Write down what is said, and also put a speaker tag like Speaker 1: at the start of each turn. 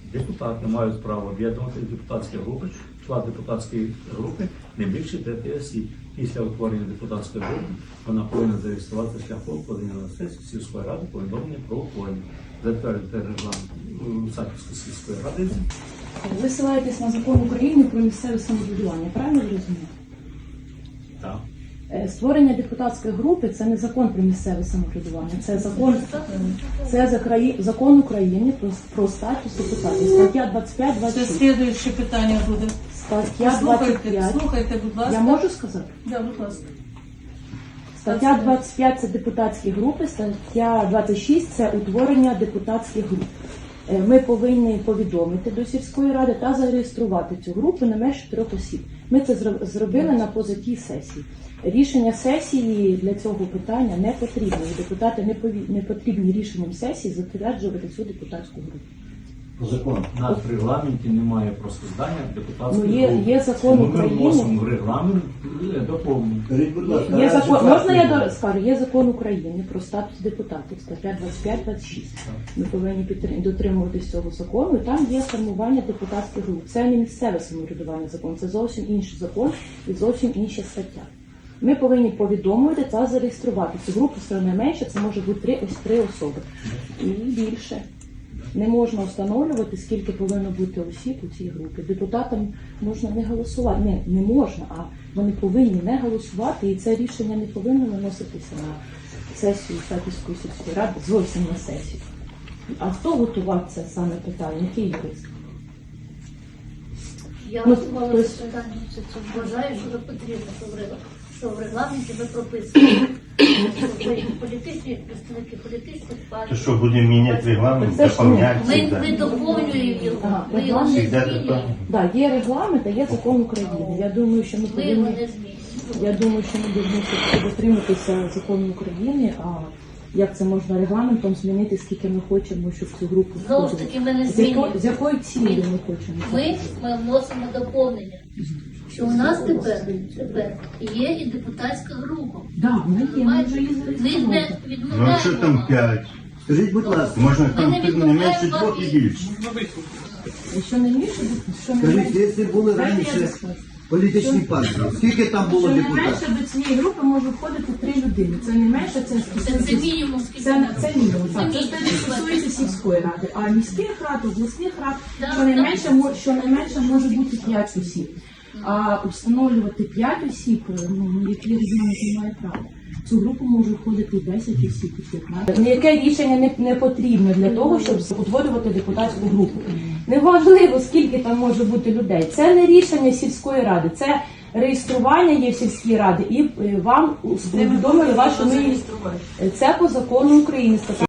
Speaker 1: Депутати мають право об'єднувати депутатські групи, склад депутатської групи не більше 5 осіб. Після утворення депутатської групи вона повинна зареєструватися шляхом подання на сесію сільської ради повідомлення про утворення, затвердити регламент Саківської сільської ради.
Speaker 2: Ви ссилаєтесь на закон України про місцеве самоврядування, правильно ви розумієте?
Speaker 1: Так.
Speaker 2: Створення депутатської групи – це не закон про місцеве самоврядування, це закон України про статус депутатів. Стаття 25-26.
Speaker 3: Це слідуюче питання буде.
Speaker 2: Стаття 25.
Speaker 3: Слухайте, будь ласка.
Speaker 2: Я можу сказати?
Speaker 3: Да, будь ласка.
Speaker 2: Стаття 25 – це депутатські групи, стаття 26 – це утворення депутатських груп. Ми повинні повідомити до сільської ради та зареєструвати цю групу не менше 3 осіб. Ми це зробили на позатій сесії. Рішення сесії для цього питання не потрібно. Депутати не потрібні рішенням сесії затверджувати цю депутатську групу.
Speaker 1: По закону. У нас в регламенті немає про складання депутатської групи.
Speaker 2: Є закон України.
Speaker 1: Ми вносимо в регламент доповнення.
Speaker 2: Є закон, можна я скажу? Є закон України про статус депутатів, стаття 25-26. Ми повинні дотримуватись цього закону, і там є формування депутатських груп. Це не місцеве самоврядування закон, це зовсім інший закон і зовсім інша стаття. Ми повинні повідомити та зареєструвати цю групу, все найменше, це може бути 3 особи. І більше. Не можна встановлювати, скільки повинно бути осіб у цій групі. Депутатам можна не голосувати. Не можна, а вони повинні не голосувати, і це рішення не повинно виноситися на сесію Саківської сільської ради, зовсім на сесію. А хто готував це саме питання? Який юрист?
Speaker 4: Я готувала це питання, що вважаю, що потрібно, що в регламенті ви прописуєте. Політичні представники політичних партій.
Speaker 5: То що, будемо міняти регламент, доповняти?
Speaker 4: Ми доповнюємо його, ми його не змінюємо.
Speaker 2: Так, є регламент, а є закон України. Я думаю, що ми
Speaker 4: Ми його
Speaker 2: повинні...
Speaker 4: не змінюємо.
Speaker 2: Я думаю, що ми повинні дотриматися закону України, а як це можна регламентом змінити, скільки ми хочемо, щоб цю групу
Speaker 4: Знову ж таки, ми не змінюємо.
Speaker 2: з якою цілею ми хочемо?
Speaker 4: Ми вносимо доповнення, що у нас тепер є і депутатська група.
Speaker 2: Так, ми є, ми вже її
Speaker 4: Ми не
Speaker 2: зареєстрували.
Speaker 5: Ну, якщо там
Speaker 4: відмовляємо.
Speaker 5: 5, скажіть, будь ласка, можна там не менше 2 і більше.
Speaker 2: Що не більше, що не
Speaker 6: Скажіть,
Speaker 2: менше.
Speaker 6: якщо були
Speaker 2: Дайте я
Speaker 6: раніше
Speaker 2: розкажу.
Speaker 6: політичні партії, скільки там було
Speaker 2: Що не
Speaker 6: депутатів?
Speaker 2: менше до цієї групи може входити 3 людини. Це не менше, це
Speaker 4: Це мінімум, скільки
Speaker 2: Це
Speaker 4: нам.
Speaker 2: мінімум. Так,
Speaker 4: Це
Speaker 2: це стосується сільської ради. А міських рад, обласних рад,
Speaker 4: Так,
Speaker 2: щонайменше може бути 5 осіб. А встановлювати 5 осіб, які регіони не мають права. В цю групу може входити і 10 осіб, і 15. Ніяке рішення не потрібно для того, щоб утворювати депутатську групу. Неважливо, скільки там може бути людей. Це не рішення сільської ради, це реєстрування є в сільській раді, і вам повідомили вашу... Це по закону України.